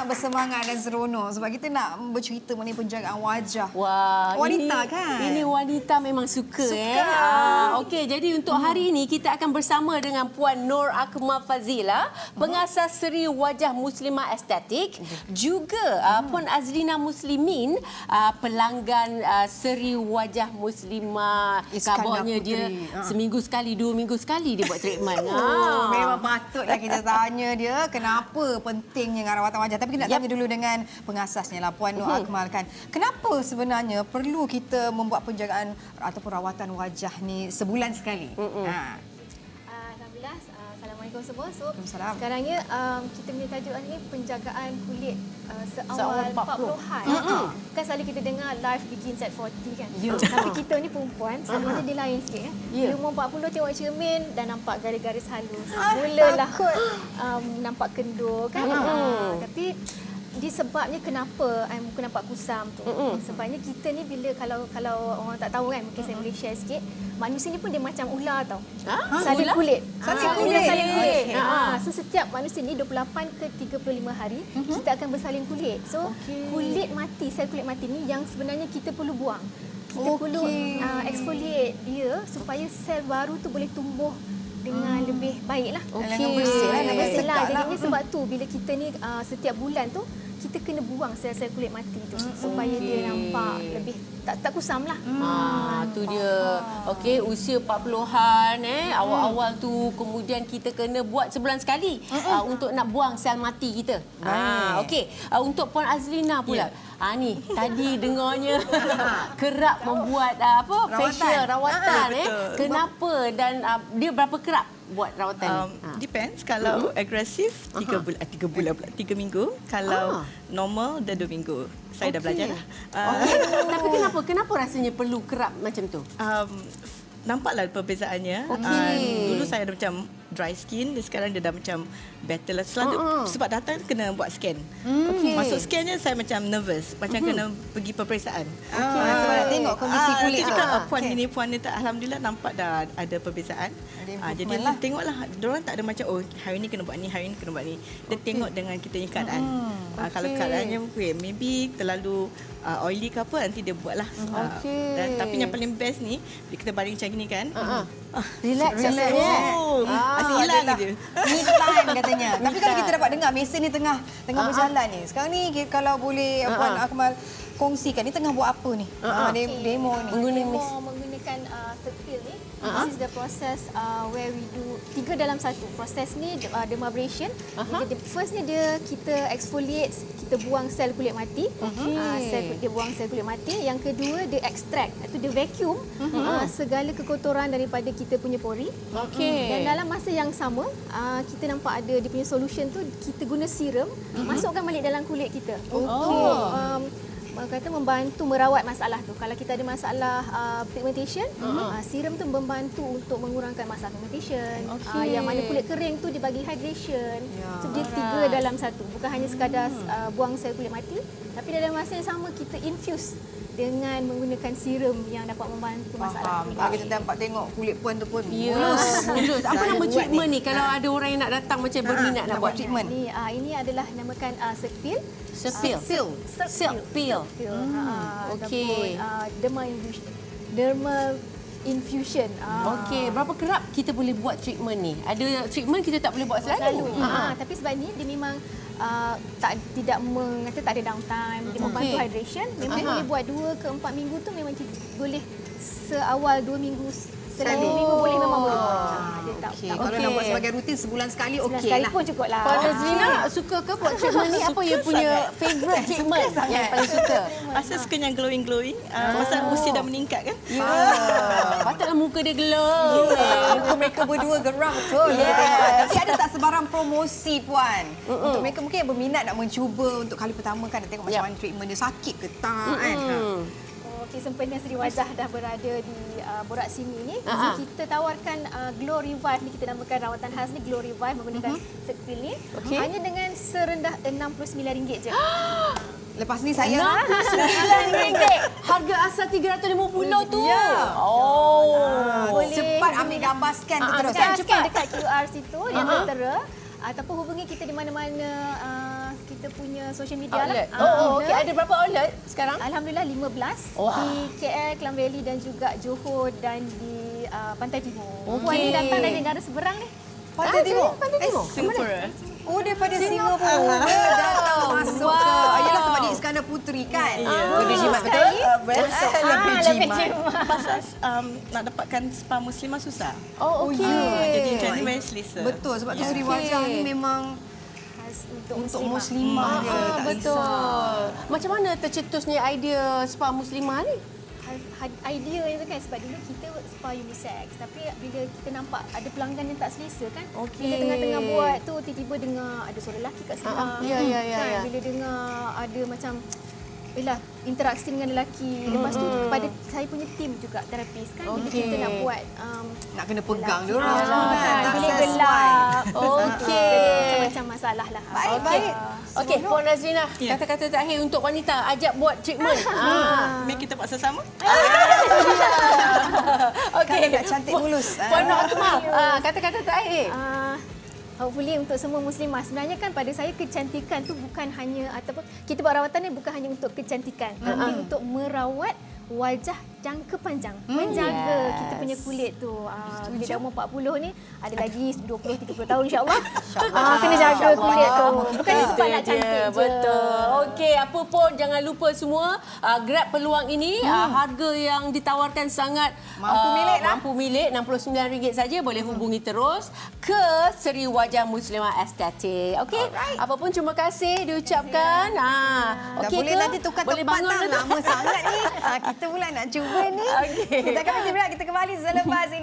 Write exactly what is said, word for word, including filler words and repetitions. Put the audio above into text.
sangat bersemangat dan seronok sebab kita nak bercerita mengenai penjagaan wajah. Wah, wanita ini, kan? Ini wanita memang suka, suka. eh. Ah, okey, jadi untuk hari ini kita akan bersama dengan Puan Nur Akmal Fazila, pengasas seri wajah Muslimah Estetik, juga uh, Puan Azlina Muslimin, uh, pelanggan uh, seri wajah Muslimah. Kabarnya dia uh. seminggu sekali, dua minggu sekali dia buat treatment. Oh, memang patutlah kita tanya dia kenapa pentingnya dengan rawatan wajah. Tapi kita nak yep. tanya dulu dengan pengasasnya lah, Puan Nur uh-huh. Akmal kan. Kenapa sebenarnya perlu kita membuat penjagaan ataupun rawatan wajah ni sebulan sekali? Uh-uh. Ha. Alhamdulillah, Assalamualaikum semua. So, Assalamualaikum. sekarangnya um, kita punya tajuk ni penjagaan kulit uh, seawal, seawal empat puluh. empat puluhan. Uh-huh. Kan selalu kita dengar life begins at forty kan. Yeah. Tapi kita ni perempuan, selalunya uh-huh. dia lain sikit ya. Yeah. Di umur empat puluh tengok cermin dan nampak garis-garis halus. Ah, Mulalah um, nampak kendur kan. Uh-huh. Uh, tapi disebabnya kenapa I muka nampak kusam tu. Mm-mm. Sebabnya kita ni bila kalau kalau orang tak tahu kan, mungkin saya boleh share sikit. Manusia ni pun dia macam ular tau. Ha? Salin Ular? kulit. Salin Ah, kulit. ular salin kulit. Okay. Ha, so setiap manusia ni dua puluh lapan ke tiga puluh lima hari uh-huh. kita akan bersalin kulit. So okay. kulit mati, sel kulit mati ni yang sebenarnya kita perlu buang. Kita okay. perlu uh, exfoliate dia supaya sel baru tu boleh tumbuh dengan hmm. lebih baiklah. Okey. Dengan bersih lah, Dengan bersih lah. Jadinya lah. sebab tu bila kita ni uh, setiap bulan tu kita kena buang sel-sel kulit mati tu hmm. supaya okay. dia nampak lebih tak tak kusam lah. Hmm. Ah, tu dia. Okey, usia empat puluhan eh, hmm. awal-awal tu kemudian kita kena buat sebulan sekali hmm. uh, untuk nak buang sel mati kita. Ah, okey. Uh, untuk Puan Azlina pula. Yeah. Ah ni, tadi dengarnya kerap membuat uh, apa? Rawatan. Facial rawatan Ah, eh. betul. Kenapa dan uh, dia berapa kerap buat rawatan Um, ni? Ha. depends. Kalau uh-huh. agresif tiga Aha. bulan, tiga bulan pula, tiga minggu. Kalau Ah. normal dah dua minggu. Saya dah Okey. belajar lah. Uh, Okey. Tapi kenapa? Kenapa rasanya perlu kerap macam tu? um, nampaklah perbezaannya. Okey. Uh, dulu saya ada macam dry skin, dan sekarang dia dah macam better lah. Selalu Uh-huh. sebab datang kena buat scan. Hmm. Okey. Masuk scannya saya macam nervous, macam uh-huh. kena pergi peperiksaan. Okay. Ah, sebab nak tengok kondisi Ah, kulit tu tu. juga puan Okey. ini puan ni tak, alhamdulillah nampak dah ada perbezaan. Ada Ah, jadi improvement lah. tengoklah diorang tak ada macam oh hari ni kena buat ni, hari ni kena buat ni. Dia okay. tengok dengan kita punya keadaan. Hmm. Ah, kalau Okey. keadaannya okay, maybe terlalu uh, oily ke apa, nanti dia buatlah. Ah, Okey. dan tapi yang paling best ni bila kita baring macam ni kan. Uh-huh. Ah, Relax Relax. rasanya. Oh, Ah, asyik hilang adalah je. Me time katanya. Tapi kalau time. kita dapat dengar mesin ni tengah tengah Uh-huh. berjalan ni. Sekarang ni kita- kalau boleh Uh-huh. Puan Akmal kongsikan ni tengah buat apa ni? Uh-huh. Ah, de- demo ni. Mengguna Demo mis. menggunakan uh, steril ni. Uh-huh. This is the process uh, where we do tiga dalam satu. Proses ni uh, dermabrasion. Uh-huh. Jadi first ni dia kita exfoliate, kita buang sel kulit mati. Okey. Uh, sel dia buang sel kulit mati. Yang kedua dia extract, iaitu dia vacuum uh-huh. uh, segala kekotoran daripada kita punya pori. Okey. Dan dalam masa yang sama, uh, kita nampak ada dia punya solution tu, kita guna serum, uh-huh. masukkan balik dalam kulit kita. Oh. Untuk um, kata membantu merawat masalah tu. Kalau kita ada masalah uh, pigmentation, uh-huh. uh, serum tu membantu untuk mengurangkan masalah pigmentation. Okey. Uh, yang mana kulit kering tu dia bagi hydration. Ya, So dia tiga alright. dalam satu. Bukan hanya sekadar uh, buang sel kulit mati, tapi dalam masa yang sama kita infuse dengan menggunakan serum yang dapat membantu masalah Faham. kulit. Kalau kita dapat tengok kulit Puan tu pun Ya, mulus. mulus. Apa Saya nama buat treatment ni. ni kalau ada orang yang nak datang macam berminat nak buat? treatment. Ni uh, ini adalah namakan uh, Serpil. Serpil. Serpil. Serpil. Serpil. Hmm. Okey. Uh, dermal infusion. Dermal infusion. Uh, Okey, berapa kerap kita boleh buat treatment ni? Ada treatment kita tak boleh buat selalu. selalu. Ha. Ha, tapi sebab ni dia memang uh, tak tidak mengata tak ada downtime, dia membantu Okey. hydration. Memang Aha. boleh buat dua ke empat minggu tu memang kita boleh seawal dua minggu Sekali. sekali minggu boleh memang boleh buat. Ha, dia tak Okey, tak kalau Okey. nak buat sebagai rutin sebulan sekali sebulan okey sekali lah. pun cukup lah. Puan Azlina suka ke buat treatment ni? Apa yang punya favourite treatment yang paling suka? Asal suka yang glowing-glowing. Uh, pasal usia dah meningkat kan. Ya. Patutlah muka dia glow. Muka mereka berdua geram betul. Yes. Kita tengok. Tapi ada tak sebarang promosi Puan? Mm-mm. Untuk mereka mungkin yang berminat nak mencuba untuk kali pertama kan nak tengok macam Yap. mana treatment dia, sakit ke tak kan. Ha. Okey, sempena Seri Wajah dah berada di uh, Borak Sini ni. Ha-ha. So, kita tawarkan uh, Glow Revive ni, kita namakan rawatan khas ni Glow Revive menggunakan uh-huh. Serpil ni. Okey. Hanya dengan serendah enam puluh sembilan ringgit je. Lepas ni saya enam puluh sembilan ringgit. Harga asal tiga ratus lima puluh tu. Ya. Oh. Boleh. cepat ambil gambar scan tu Ah, terus. Scan, Kan? scan dekat Q R situ yang Uh-huh. tertera. Ataupun hubungi kita di mana-mana uh, kita punya social media Outlet. lah. Oh, Ah, oh okey. Ada berapa outlet sekarang? Alhamdulillah lima belas Wah. di K L, Klang Valley dan juga Johor dan di uh, Pantai Timur. Okey. Puan ni datang dari negara seberang ni. Pantai Timur. Pantai Timur. Singapura. Oh, daripada Singapura datang masuk Wow. ke. Ayalah sebab dia Iskandar Puteri kan? Ya. Lebih jimat betul? Uh, betul. Ah, lebih lebih jimat. Pasal um, nak dapatkan spa muslimah susah. Oh, okey. ya. Jadi macam ni very selesa. Betul, sebab tu Ya. suri wajah ni memang Khas untuk, untuk muslimah. muslimah. dia, Ah, tak betul. risau. Macam mana tercetusnya idea spa muslimah ni? Had- idea itu kan sebab dulu kita spa unisex tapi bila kita nampak ada pelanggan yang tak selesa kan Okey. bila tengah-tengah buat tu tiba-tiba dengar ada suara lelaki kat Ah, sebelah ya, ya, ya, kan ya. bila dengar ada macam Yelah, interaksi dengan lelaki. Lepas tu kepada saya punya tim juga terapis kan bila Okey. kita nak buat um, Nak kena pegang dia lelaki. orang Ah, semua kan. kan, Tak bilik sesuai. gelap. Okey. Macam-macam masalah lah. Baik, Okey. baik. Okey, Puan Nazrina, Ya. kata-kata terakhir untuk wanita ajak buat treatment. ah. Mari kita buat sama. Okey. Kan agak cantik mulus. Puan Nur Akmal, ah, kata-kata terakhir. Ah, hopefully untuk semua muslimah sebenarnya kan pada saya kecantikan tu bukan hanya ataupun kita buat rawatan ni bukan hanya untuk kecantikan tapi untuk merawat wajah jangka panjang, menjaga yes. kita punya kulit tu. Ah, bila dah umur empat puluh ni ada lagi dua puluh tiga puluh tahun insya-Allah. Ah, kena jaga kulit tu. Bukan sebab nak Itu cantik dia, je. betul. Okey, apa pun jangan lupa semua uh, grab peluang ini. Uh, harga yang ditawarkan sangat Mampu milik lah. Mampu milik enam puluh sembilan ringgit saja. Boleh hubungi terus ke Seri Wajah Muslimah Estetik. Okey. Apa pun terima kasih diucapkan. Ah, Dah okey boleh ke? nanti tukar Boleh tempat bangun tak? ke tak? Lama sangat ni. Ah, kita pula nak cuba ni. Okey. Kita akan berhenti pula. Kita kembali selepas ini.